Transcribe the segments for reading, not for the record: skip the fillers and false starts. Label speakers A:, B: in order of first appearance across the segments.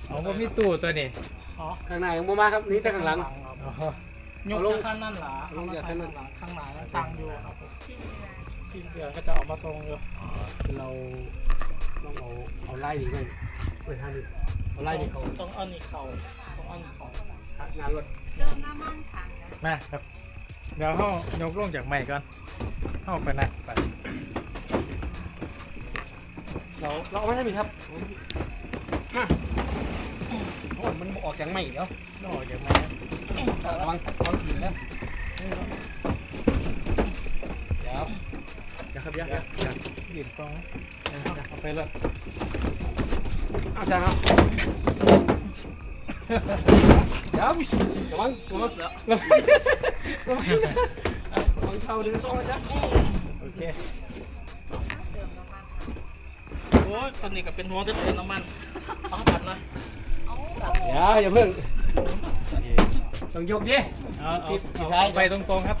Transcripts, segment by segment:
A: อ๋อผมมีตู้ตัวนี้
B: อ๋อ
C: ข้างหน้ายังบ่มาครับนี่แต่ข้างหลัง
A: อ๋อย
B: กข้างนั่นหรอลงจากข้างหลังข้างหลังสั่งอยู่ครับผมสิ้นเดือนก็จะออกมาส่งอยู่
C: คือเราต้องเอาไล่นี่ไปทางนี้เอาไล่นี่เขา
B: ต้องเอานี่เขาต้องเอานี่เขา
C: งานรถ
D: เติมน้ำมันขังนะ
A: มาครับเดี๋ยวเขายกลงจากไม้ก่อนเข้าไปนักไป
C: เราเอาไม่ใช่มีครับมาโอ้ยมันออกจากไม้แล้ว
A: นอกจากไม้ครับ
C: ระวังหินแล้วเดี๋ยวครับยัก
A: ดินกองเอาไปเลย
C: อาจารย์ครับเดี๋ยวระวังเข้าดึงซ่องนะจ๊ะ
A: โอเค
D: เติมน้ำมัน
B: โอ้ยคนนี้ก็เป็นหัวจะเติมน้ำมันเอาตัดนะ
D: เอา
C: เดี๋ยวอย่าเพิ่งต้องยกดิ
A: เอาไปตรงๆครับ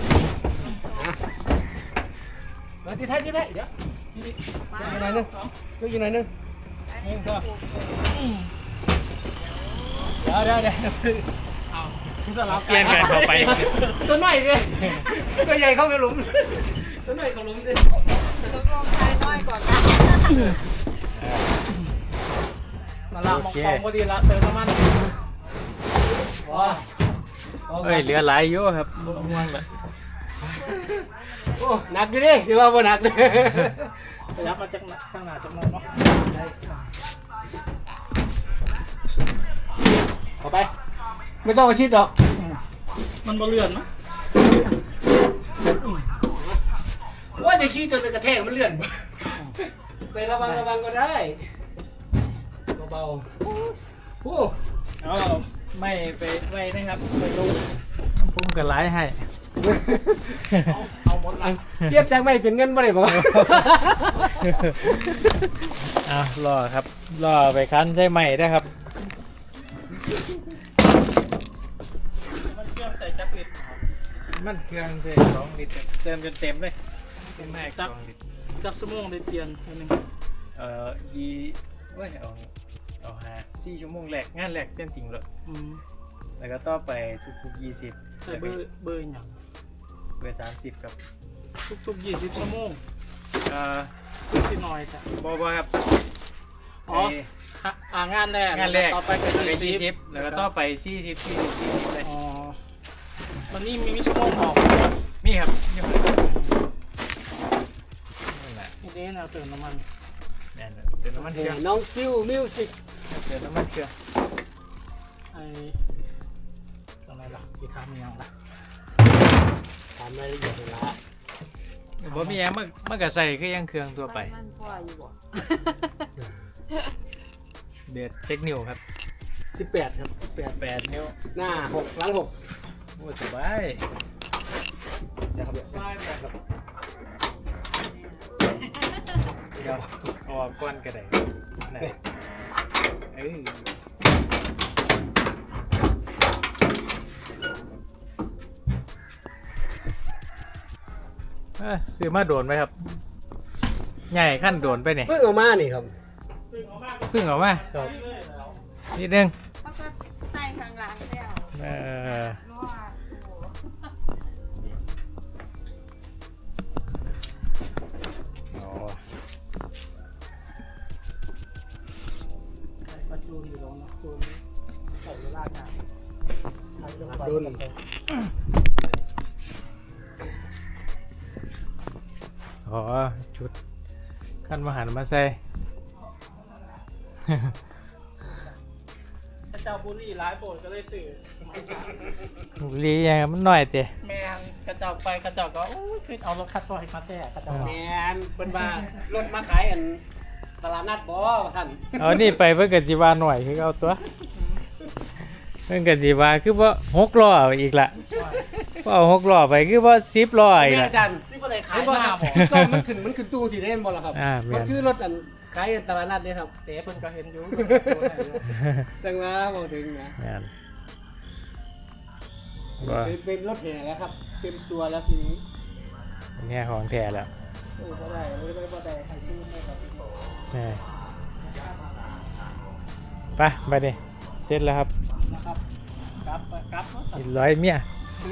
C: มาที่ท้ายเดี๋ยวอยู่ไหนนึงอยู่ไหนนึง
A: นี่ก็
C: เดี๋ยว
B: เอาที่สลับ
A: เปลี่ยนกันเข้าไป
C: ต้นไม้ดิตัวใหญ่เข้าไปหลุมต้นไม้เข้าหลุมดิ
D: ตกลงใช้น้อยกว่ากัน
B: มาละมองกองพอดีละเติมน้ำมัน
C: ว้า
A: เอ้ยเหลือหลายอยู่ครับม่วงแบบ
C: โอ้หนักอยู่ดิหรือว่าบ่หนักดิ
B: ขยับมาจากข้างหน้าจากโน้นเนาะ
C: เอาไปไม่ต้องมาชิดหรอก
B: มันบ่เลื่อนมั้ย
C: ว่าจะขี้จนจะกระแทกมันเลื่อนไประวังก็ได้เบาๆโอ้
A: เอาไม่ไปไว้นะครับไปลงพุ่มกับหลายให้
B: เอาหมดละ
C: เทียบจากไม่เป็นเงินบ่ได้บ่
A: เอารอครับรอไปคั้นใช่ไหมนะครับ
B: มันเครื่องใส่จักรลิตรครับ
A: มันเครื่องเต็ม2 ลิตรเติมจนเต็มเลยเต็มแม็ก2 ลิตร
B: จักรสมองได้เตียนอันนึง
A: ยีเว้ยเอา4 ชั่วโมงแรกงานแรกเต็มจริงเลย แล้วก็ต่อไปทุกๆ20
B: ใส่เบอร์อย่าง
A: เบอร์30ครับ
B: ทุกๆ20ชั่วโมง
A: เอ่อ
B: ทุกสิน้อยจ้ะ
A: บ่ครับ
B: อ๋อ งานแรก
A: งานแรก
B: ต่อไปก็
A: เป็น
B: 20
A: 20แล้วก็ต่อไป40เลย
B: อ๋อมันนี่มีชั่วโมงออก
A: มีครับยังไม่นั่นแหละ
B: นี่เราเติมน้ำมัน
A: นั่นแหละเติมน้ำมันเครื่อง
C: น้องฟิวมิวสิก
A: เติมน้ำมันเครื่อง
B: ไอ้อะไรล่ะที่ทำยังล่ะ
C: ถามรายละเอียดเลยละ
A: บ่มีหยังมันก็ใส่คือยังเครื่องทั่วไป
D: มันพ่ออยู่บ่
A: เดือดเทคนิวครับ
C: 18ครับ18
A: 8 นิ้ว
C: หน้า6หลัง6
A: โอ้สบาย
C: เดี๋ยวครับ
B: ได้หมด
A: เดี๋ยวเอาออกก้อนก็ได้นั่นเอ้ยซื้อมาโดนไหมครับใหญ่ขั้นโดนไปเนี่ย
C: เพิ่งออกมานี่ครับ
A: เพิ่งออกมา
C: ครับ
A: นิดนึง
D: เขาก็ใส่ข้างหลังแล้ว
A: เออ
D: เพราะว่าโอ้โห
A: โอ้
B: ประจูนอยู่ตรงนั้นจูนใส่เวลาการใช้ลงไป
C: ดุน
A: อ๋อชุดขั้นมหันมาใส่
B: พระเจ้าบุรีร้ายโปรดก็เลยสื่อ
A: ลียังมันหน่อยเตะ
B: แมงกระเจ้าไปกระเจ้าก็โอ้ยขึ้นเอารถคัดซอยมาแท้กระเจ้า
C: แมนเป็นว่ารถมาขายอันตลาดนัดบ่ท่าน
A: เอานี่ไปเพื่อกจิวาหน่อยคือเอาตัวเพื่อกจิวาคือว่า6 ล้ออีกละพอเอา6 ล้อไปคือว่า10 ล้ออีก
C: แม่
A: ละ
C: อาจารย์
B: ซิบ่ได้ขาย
C: เห็นบ่
B: ห
C: ค
B: น้า
C: รับ
B: บ่
C: ก็มันขึ้นตู้สีเล่นบ่ล่ะครับ
A: แม่น
C: มันคือรถอันขายตลาดนัดเนี่ยครับ
B: เต๋เพิ่นก็เห็นอยู่
C: จังว่าบ่ถึงนะ
A: แม่นว่า
C: เป็นรถแห่แล้วครับเต็มตัวแล้วทีนี้
A: อันเนี่ยของแท้แล้ว
B: บ่ได้ใครซื้อไม่กับ
A: แม่ไปไปดิเสร็จแล้วครับ
B: นะครับกลับไปกลับเนาะ
A: อีกร้อยเมีย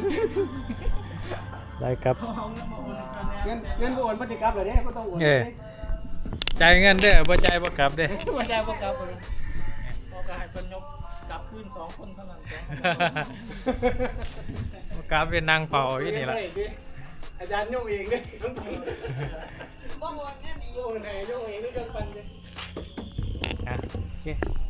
A: ร้อยครับ
B: เอาเงินมาโอนกันแน่
C: เงินโอนปฏิกรรมเลยเนี่ยก็ต้องโอน
A: จ่ายเงินเด้อบ่จ่ายบ่กลับเด้อ
B: ไม่ได้พวกกลับเลยพอกให้เป็นยกกลับขึ้น2 คนเท่านั้น
A: บ่กลับเป็นนางเฝ้าอยู่นี่ล่ะ
C: อาจารย์โยกเองเลย
D: บ่โอนเงินอีก
C: โยกไหนโยกเองด้วยกันฟันเลย
A: อ่ะโอเค